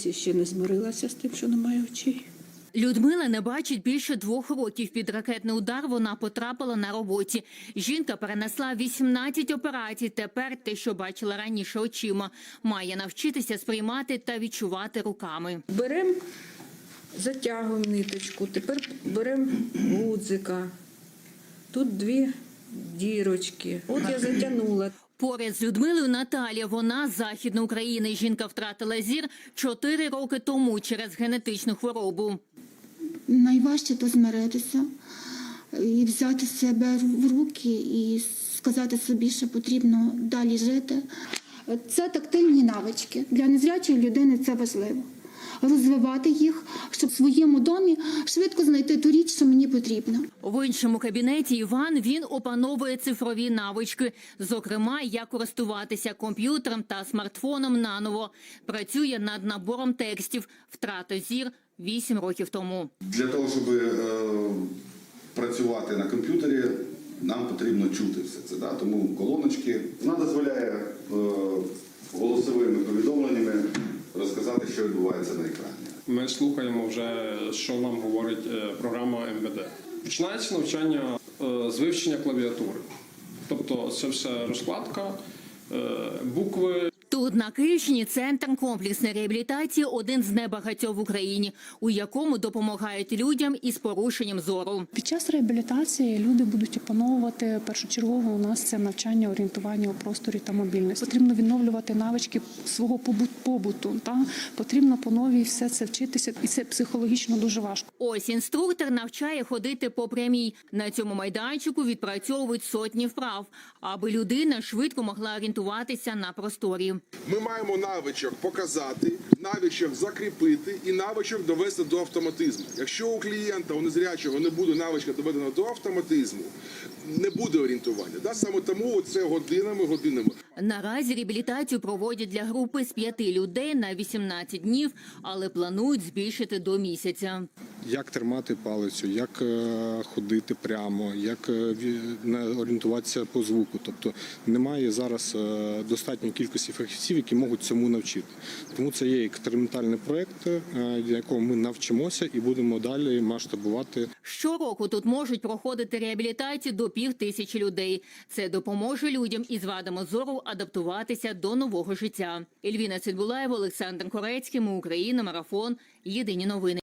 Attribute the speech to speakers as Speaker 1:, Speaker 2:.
Speaker 1: досі ще не змирилася з тим, що немає очей.
Speaker 2: Людмила не бачить більше 2 років. Під ракетний удар вона потрапила на роботі. Жінка перенесла 18 операцій. Тепер те, що бачила раніше очима, має навчитися сприймати та відчувати руками.
Speaker 1: Беремо, затягуємо ниточку, тепер беремо гудзика. Тут 2 дірочки. От я затягнула.
Speaker 2: Поряд з Людмилою Наталія, вона з Західної України. Жінка втратила зір 4 роки тому через генетичну хворобу.
Speaker 3: Найважче то змиритися і взяти себе в руки і сказати собі, що потрібно далі жити. Це тактильні навички. Для незрячої людини це важливо. Розвивати їх, щоб в своєму домі швидко знайти ту річ, що мені потрібна.
Speaker 2: В іншому кабінеті Іван, він опановує цифрові навички. Зокрема, як користуватися комп'ютером та смартфоном наново. Працює над набором текстів. Втрата зір 8 років тому.
Speaker 4: Для того, щоб працювати на комп'ютері, нам потрібно чути все це. Да? Тому колоночки. Вона дозволяє голосовими повідомленнями розказати, що відбувається на екрані.
Speaker 5: Ми слухаємо вже, що нам говорить програма МВД. Починається навчання з вивчення клавіатури. Тобто це все розкладка, букви.
Speaker 2: Тут на Київщині центр комплексної реабілітації – один з небагатьох в Україні, у якому допомагають людям із порушенням зору.
Speaker 6: Під час реабілітації люди будуть опановувати першочергово у нас це навчання, орієнтування у просторі та мобільності. Потрібно відновлювати навички свого побуту. Потрібно по новій все це вчитися, і це психологічно дуже важко.
Speaker 2: Ось інструктор навчає ходити по прямій. На цьому майданчику відпрацьовують сотні вправ, аби людина швидко могла орієнтуватися на просторі.
Speaker 7: Ми маємо навичок показати, навичок закріпити і навичок довести до автоматизму. Якщо у клієнта, у незрячого, не буде навичка доведена до автоматизму, не буде орієнтування. Саме тому це годинами.
Speaker 2: Наразі реабілітацію проводять для групи з 5 людей на 18 днів, але планують збільшити до місяця.
Speaker 8: Як тримати палицю, як ходити прямо, як орієнтуватися по звуку. Тобто немає зараз достатньої кількості фахівців, які можуть цьому навчити. Тому це є експериментальний проєкт, для якого ми навчимося і будемо далі масштабувати.
Speaker 2: Щороку тут можуть проходити реабілітацію до 5000 людей. Це допоможе людям із вадами зору адаптуватися до нового життя. Ельвіна Цидбулаєва, Олександр Корецький, Ми Україна, Марафон. Єдині новини.